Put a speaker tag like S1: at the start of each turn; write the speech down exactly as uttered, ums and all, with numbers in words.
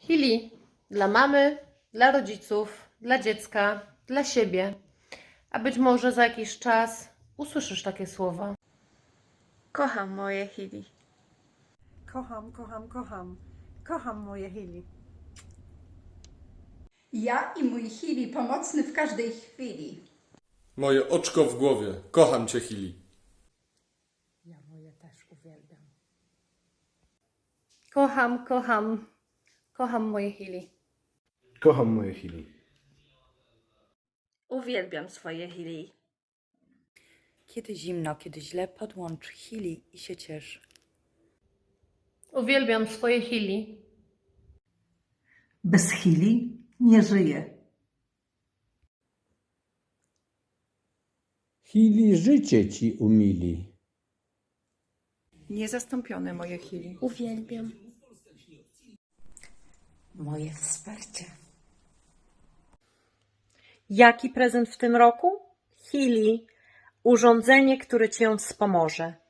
S1: Chili dla mamy, dla rodziców, dla dziecka, dla siebie. A być może za jakiś czas usłyszysz takie słowa.
S2: Kocham moje Chili.
S3: Kocham, kocham, kocham. Kocham moje Chili.
S4: Ja i mój Chili pomocny w każdej chwili.
S5: Moje oczko w głowie. Kocham cię, Chili.
S3: Ja moje też uwielbiam.
S1: Kocham, kocham, kocham moje Chili.
S6: Kocham moje Chili.
S2: Uwielbiam swoje Chili.
S7: Kiedy zimno, kiedy źle, podłącz Chili i się ciesz.
S1: Uwielbiam swoje Chili.
S8: Bez Chili nie żyję.
S9: Chili życie ci umili.
S3: Niezastąpione moje Chili.
S2: Uwielbiam.
S7: Moje wsparcie.
S10: Jaki prezent w tym roku? Chili, urządzenie, które Cię wspomoże.